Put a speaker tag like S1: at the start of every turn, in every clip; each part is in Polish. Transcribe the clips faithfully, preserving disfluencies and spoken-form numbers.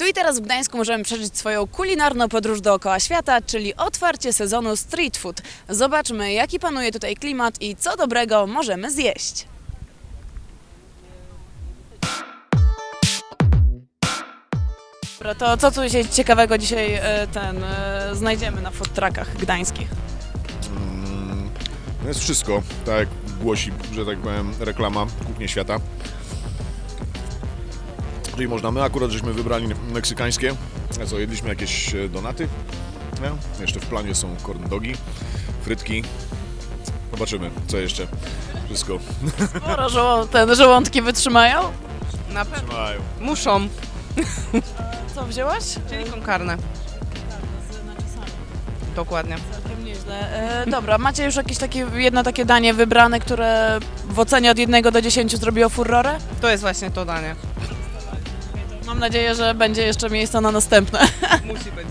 S1: i teraz w Gdańsku możemy przeżyć swoją kulinarną podróż dookoła świata, czyli otwarcie sezonu street food. Zobaczmy, jaki panuje tutaj klimat i co dobrego możemy zjeść. Dobra, to co tu się ciekawego dzisiaj e, ten e, znajdziemy na food truckach gdańskich?
S2: Mm, no jest wszystko, tak jak głosi, że tak powiem, reklama Kuchnie Świata. Czyli można, my akurat żeśmy wybrali meksykańskie, a co, jedliśmy jakieś donaty, nie? Jeszcze w planie są corn dogi, frytki, zobaczymy co jeszcze, wszystko.
S1: Sporo żoło ten żołądki wytrzymają?
S3: Na pewno.
S2: Trzymają.
S3: Muszą.
S1: Co wzięłaś?
S3: Czyli con carne. Dokładnie.
S1: Całkiem nieźle. E, dobra, macie już jakieś takie, jedno takie danie wybrane, które w ocenie od jednego do dziesięciu zrobiło furorę?
S3: To jest właśnie to danie.
S1: Mam nadzieję, że będzie jeszcze miejsce na następne.
S3: Musi być.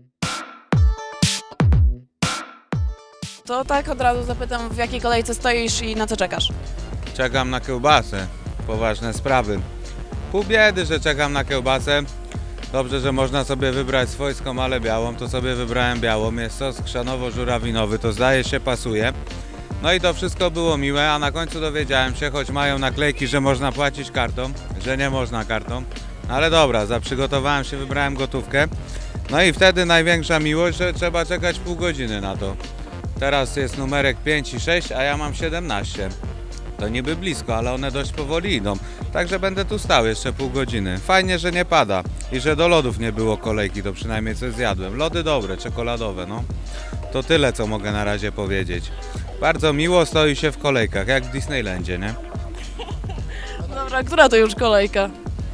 S1: To tak od razu zapytam, w jakiej kolejce stoisz i na co czekasz?
S4: Czekam na kiełbasę. Poważne sprawy. Pół biedy, że czekam na kiełbasę. Dobrze, że można sobie wybrać swojską, ale białą. To sobie wybrałem białą. Jest sos chrzanowo-żurawinowy. To zdaje się pasuje. No i to wszystko było miłe, a na końcu dowiedziałem się, choć mają naklejki, że można płacić kartą, że nie można kartą. Ale dobra, zaprzygotowałem się, wybrałem gotówkę. No i wtedy największa miłość, że trzeba czekać pół godziny na to. Teraz jest numerek pięć i sześć, a ja mam siedemnaście. To niby blisko, ale one dość powoli idą. Także będę tu stał jeszcze pół godziny. Fajnie, że nie pada i że do lodów nie było kolejki, to przynajmniej coś zjadłem. Lody dobre, czekoladowe, no. To tyle, co mogę na razie powiedzieć. Bardzo miło stoi się w kolejkach, jak w Disneylandzie, nie?
S1: Dobra, która to już kolejka?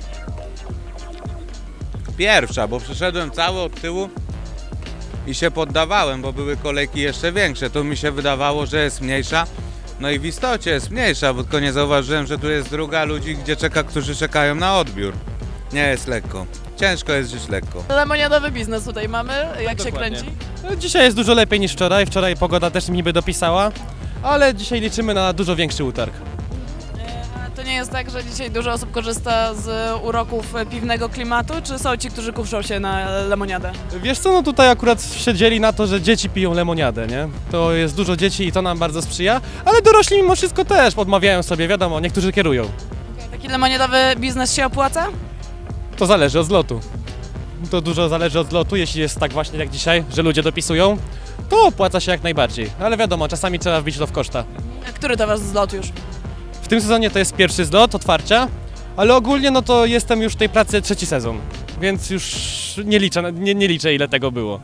S4: Pierwsza, bo przyszedłem cały od tyłu i się poddawałem, bo były kolejki jeszcze większe. Tu mi się wydawało, że jest mniejsza. No i w istocie jest mniejsza, bo tylko nie zauważyłem, że tu jest druga ludzi, gdzie czeka, którzy czekają na odbiór. Nie jest lekko. Ciężko jest żyć lekko.
S1: Lemoniadowy biznes tutaj mamy, jak się
S5: Dokładnie.
S1: kręci?
S5: Dzisiaj jest dużo lepiej niż wczoraj. Wczoraj pogoda też mi niby dopisała, ale dzisiaj liczymy na dużo większy utarg.
S1: E, To nie jest tak, że dzisiaj dużo osób korzysta z uroków piwnego klimatu, czy są ci, którzy kuszą się na lemoniadę?
S5: Wiesz co, no tutaj akurat siedzieli na to, że dzieci piją lemoniadę, nie? To jest dużo dzieci i to nam bardzo sprzyja, ale dorośli mimo wszystko też odmawiają sobie, wiadomo, niektórzy kierują.
S1: Taki lemoniadowy biznes się opłaca?
S5: To zależy od zlotu. To dużo zależy od zlotu, jeśli jest tak właśnie jak dzisiaj, że ludzie dopisują, to opłaca się jak najbardziej, ale wiadomo, czasami trzeba wbić to w koszta.
S1: A który to wasz zlot już?
S5: W tym sezonie to jest pierwszy zlot, otwarcia, ale ogólnie no to jestem już w tej pracy trzeci sezon, więc już nie liczę, nie, nie liczę ile tego było.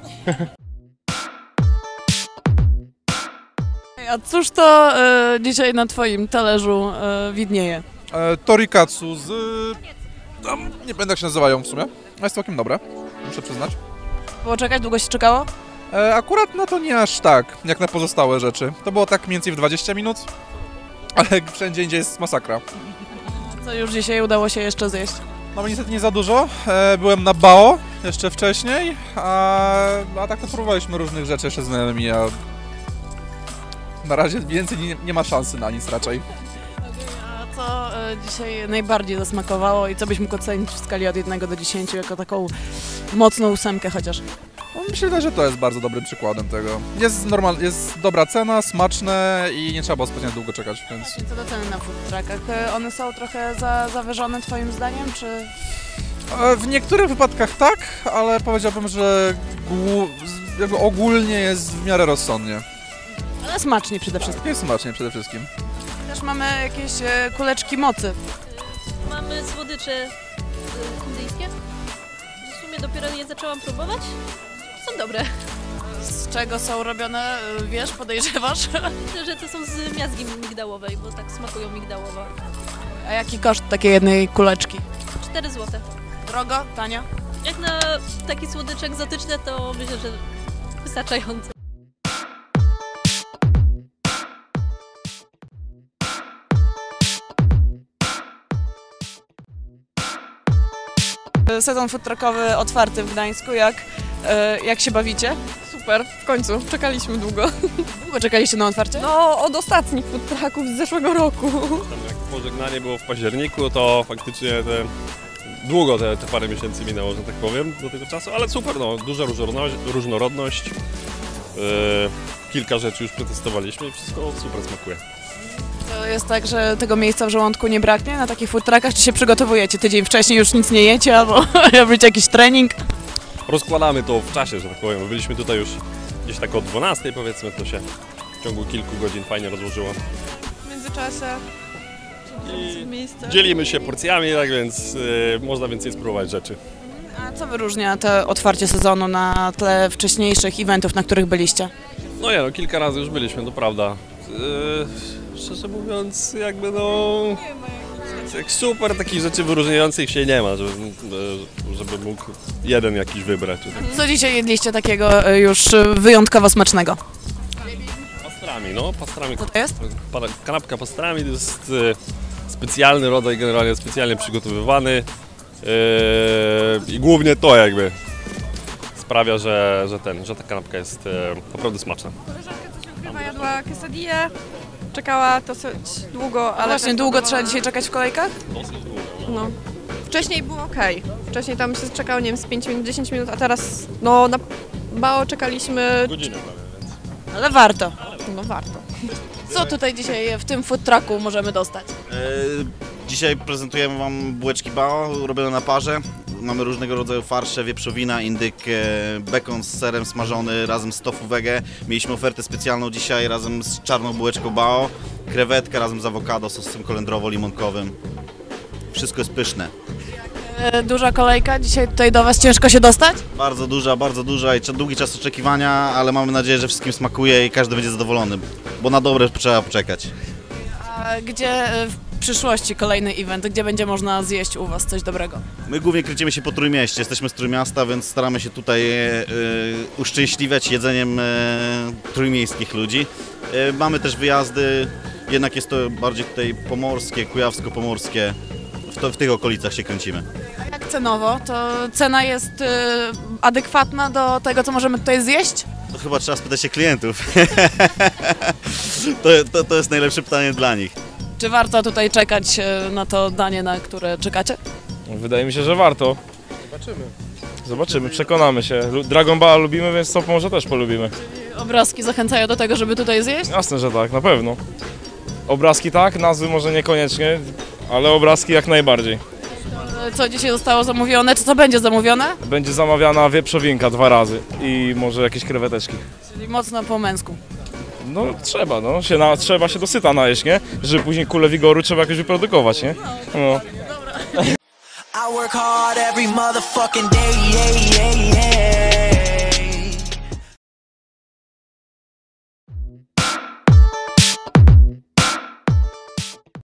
S1: A cóż to e, dzisiaj na twoim talerzu e, widnieje?
S6: E, torikatsu z... Tam, nie będę jak się nazywają w sumie, ale jest całkiem dobre, muszę przyznać.
S1: Było czekać? Długo się czekało?
S6: E, akurat no to nie aż tak, jak na pozostałe rzeczy. To było tak mniej więcej w dwadzieścia minut, ale wszędzie indziej jest masakra.
S1: Co już dzisiaj udało się jeszcze zjeść?
S6: No niestety nie za dużo, e, byłem na Bao jeszcze wcześniej, a, a tak to próbowaliśmy różnych rzeczy jeszcze z znajomymi, a na razie więcej nie, nie ma szansy na nic raczej.
S1: A co e, dzisiaj najbardziej zasmakowało i co byś mógł ocenić w skali od jednego do dziesięciu jako taką mocną ósemkę chociaż?
S6: No, myślę, że to jest bardzo dobrym przykładem tego. Jest, normal, jest dobra cena, smaczne i nie trzeba było specjalnie długo czekać, więc...
S1: Co do ceny na food truckach? E, One są trochę za, zawyżone twoim zdaniem, czy...
S6: E, W niektórych wypadkach tak, ale powiedziałbym, że głu- z- jakby ogólnie jest w miarę rozsądnie.
S1: Ale smacznie przede wszystkim.
S6: Jest smacznie przede wszystkim.
S1: Też mamy jakieś e, kuleczki mocy.
S7: Mamy słodycze y, indyjskie. W sumie dopiero je zaczęłam próbować. Są dobre.
S1: Z czego są robione, e, wiesz, podejrzewasz?
S7: Myślę, że to są z miazgi migdałowej, bo tak smakują migdałowo.
S1: A jaki koszt takiej jednej kuleczki?
S7: cztery złote.
S1: Drogo? Tanio?
S7: Jak na taki słodycz egzotyczny, to myślę, że wystarczająco.
S1: Sezon food truckowy otwarty w Gdańsku, jak, e, jak się bawicie?
S8: Super, w końcu, czekaliśmy długo.
S1: Długo czekaliście na otwarcie?
S8: No, od ostatnich food trucków z zeszłego roku.
S9: Tam jak pożegnanie było w październiku, to faktycznie te długo te, te parę miesięcy minęło, że tak powiem, do tego czasu, ale super, no, duża różnorodność, różnorodność. Yy, kilka rzeczy już przetestowaliśmy i wszystko super smakuje.
S1: To jest tak, że tego miejsca w żołądku nie braknie na takich food truckach, czy się przygotowujecie tydzień wcześniej, już nic nie jecie, albo robicie jakiś trening?
S9: Rozkładamy to w czasie, że tak powiem. Byliśmy tutaj już gdzieś tak o dwunastej, powiedzmy, to się w ciągu kilku godzin fajnie rozłożyło.
S8: W międzyczasie
S9: I
S8: miejsce.
S9: dzielimy się porcjami, tak więc yy, można więcej spróbować rzeczy.
S1: A co wyróżnia to otwarcie sezonu na tle wcześniejszych eventów, na których byliście?
S9: No nie no, kilka razy już byliśmy, to prawda. Yy, szczerze mówiąc, jakby no... Jak super takich rzeczy wyróżniających się nie ma, żeby, żeby mógł jeden jakiś wybrać. Czy tak.
S1: Co dzisiaj jedliście takiego e, już wyjątkowo smacznego?
S9: Pastrami, no, pastrami.
S1: Co to jest?
S9: Pa- Kanapka pastrami to jest e, specjalny rodzaj, generalnie specjalnie przygotowywany e, i głównie to jakby sprawia, że, że, ten, że ta kanapka jest e, naprawdę smaczna.
S8: Koleżanka coś ukrywa, jadła quesadillę, czekała dosyć długo, ale...
S1: Właśnie,
S8: też
S1: długo
S8: próbowała.
S1: trzeba dzisiaj czekać w kolejkach?
S9: Dosyć długo, no.
S8: No. Wcześniej było ok. Wcześniej tam się czekało, nie wiem, z pięć minut, dziesięć minut, a teraz no na Bao czekaliśmy...
S9: Godzinę prawie, więc.
S1: Ale warto.
S8: No warto.
S1: Co tutaj dzisiaj w tym food trucku możemy dostać?
S10: E, Dzisiaj prezentujemy Wam bułeczki Bao robione na parze. Mamy różnego rodzaju farsze, wieprzowina, indyk, e, bekon z serem smażony razem z tofu wege. Mieliśmy ofertę specjalną dzisiaj razem z czarną bułeczką Bao. Krewetka razem z awokado, sosem kolendrowo-limonkowym. Wszystko jest pyszne.
S1: E, Duża kolejka, dzisiaj tutaj do Was ciężko się dostać?
S10: Bardzo duża, bardzo duża i długi czas oczekiwania, ale mamy nadzieję, że wszystkim smakuje i każdy będzie zadowolony, bo na dobre trzeba poczekać.
S1: A gdzie e, w przyszłości kolejny event, gdzie będzie można zjeść u Was coś dobrego?
S10: My głównie kręcimy się po Trójmieście, jesteśmy z Trójmiasta, więc staramy się tutaj e, uszczęśliwiać jedzeniem e, trójmiejskich ludzi. E, mamy też wyjazdy, jednak jest to bardziej tutaj pomorskie, kujawsko-pomorskie, w, to, w tych okolicach się kręcimy.
S1: A jak cenowo? To cena jest e, adekwatna do tego, co możemy tutaj zjeść?
S10: To chyba trzeba spytać się klientów. to, to, to jest najlepsze pytanie dla nich.
S1: Czy warto tutaj czekać e, na to danie, na które czekacie?
S11: Wydaje mi się, że warto. Zobaczymy. Zobaczymy, przekonamy się. Lu- Dragon Ball lubimy, więc to może też polubimy.
S1: Obrazki zachęcają do tego, żeby tutaj zjeść?
S11: Jasne, że tak, na pewno. Obrazki tak, nazwy może niekoniecznie, ale obrazki jak najbardziej.
S1: E, Co dzisiaj zostało zamówione? Czy co będzie zamówione?
S11: Będzie zamawiana wieprzowinka dwa razy i może jakieś kreweteczki.
S1: Czyli mocno po męsku.
S11: No trzeba, no, się na, trzeba się dosyta najeść, nie? Żeby później kulę wigoru trzeba jakoś wyprodukować, nie? No.
S12: I work hard every motherfucking day, yeah,